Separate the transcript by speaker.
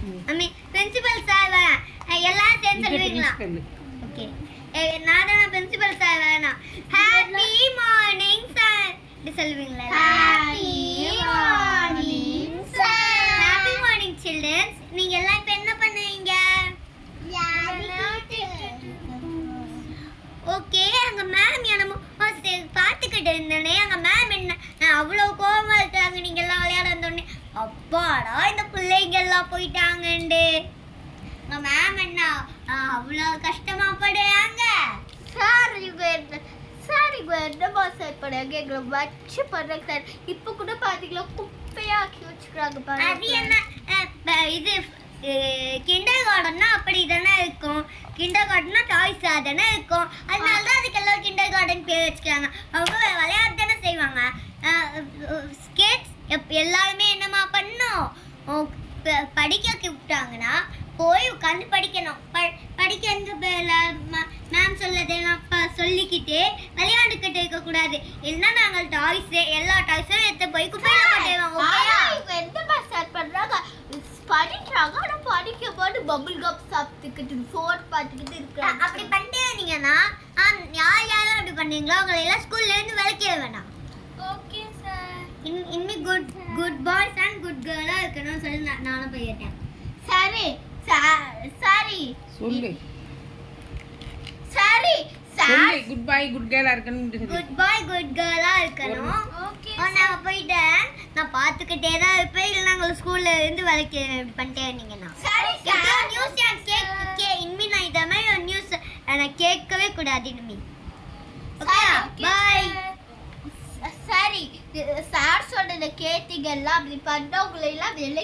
Speaker 1: ஐ மீன் principal sir எல்லாரும் சேர்ந்து சொல்லுவீங்களா? ஓகே, நான் தான் பிரின்சிபல் சார் வேணாம். ஹாப்பி மார்னிங் சார் இது சொல்லுவீங்களா? Happy morning sir. Happy morning childrens. நீங்க எல்லாம் இப்ப என்ன பண்ணுவீங்க? ஓகே, அங்க மேம் என்னமோ பார்த்துக்கிட்டு இருந்தேனே, அங்க மேம் என்ன அவ்வளோ கோவமா இருக்காங்க நீங்க எல்லாம் விளையாட வந்தோடனே. அப்பாடா இந்த பிள்ளைங்க எல்லாம் போயிட்டாங்கண்டு மேம் என்ன அவ்வளோ கஷ்டமா படுறாங்க. சார் என்னமா சார் படுறாங்க, எங்களை வச்சு படுறாங்க சார். இப்போ கூட பார்த்தீங்களா குப்பையா ஆக்கி வச்சுக்கிறாங்க பாருங்க. அது என்ன இது கிண்டர் கார்டன்னா அப்படி தானே இருக்கும். கிண்டர் கார்டன்னா டாய்ஸா தானே இருக்கும். அதனால தான் அதுக்கு எல்லாம் கிண்டர் கார்டன் பேர் வச்சுக்கிறாங்க. அவங்க விளையாட்டு தானே செய்வாங்க. ஸ்கேட்ஸ் எல்லாருமே என்னமா பண்ணணும், படிக்க விட்டாங்கன்னா போய் உட்காந்து படிக்கணும். படிக்க மேம் சொல்லதெல்லாம் சொல்லிக்கிட்டே விளையாண்டுக்கிட்டு இருக்கக்கூடாது. இல்லைன்னா நாங்கள் எல்லா டாய்ஸும் எடுத்து போய் குப்பையில போட்டுருவாங்க. எந்த ஸ்டார்ட் பண்ணுறாங்க படிக்கிறாங்க, ஆனால் படிக்கும் போது பபுள் கப் சாப்பிட்டுக்கிட்டு ஃபோன் பார்த்துக்கிட்டு இருக்கிறாங்க. அப்படி பண்ணிட்டீங்கன்னா யாரும் அப்படி பண்ணீங்களோ அவங்களை எல்லாம் ஸ்கூல்லேருந்து விளக்கிட வேணாம். Okay sir. இனிமேல் குட் பாய்ஸ் அண்ட் குட் கேர்ளாக இருக்கணும்னு சொல்லி நானும் போயிட்டேன். சரி சரி
Speaker 2: சொல்லு.
Speaker 1: சரி
Speaker 2: சொல்லு. குட் பாய் குட் கேர்ளா இருக்கணும்.
Speaker 1: குட் பாய் குட் கேர்ளா இருக்கணும். ஓகே, நான் போயிட்டேன். நான் பார்த்துக்கிட்டே தான் இருப்பேன். இல்லை நாங்கள் ஸ்கூல்ல இருந்து வேலைக்கு பண்ணிட்டே இருந்தீங்கன்னா. சரி சார். நியூஸ் கேட்க இனிமே நான் இதை மாதிரி ஒரு நியூஸ் நான் கேட்கவே கூடாது இனிமே. Okay bye. சரி சார் சொல்றத கேட்டீங்கல்ல, அப்படி பண்ணவங்களை எல்லாம்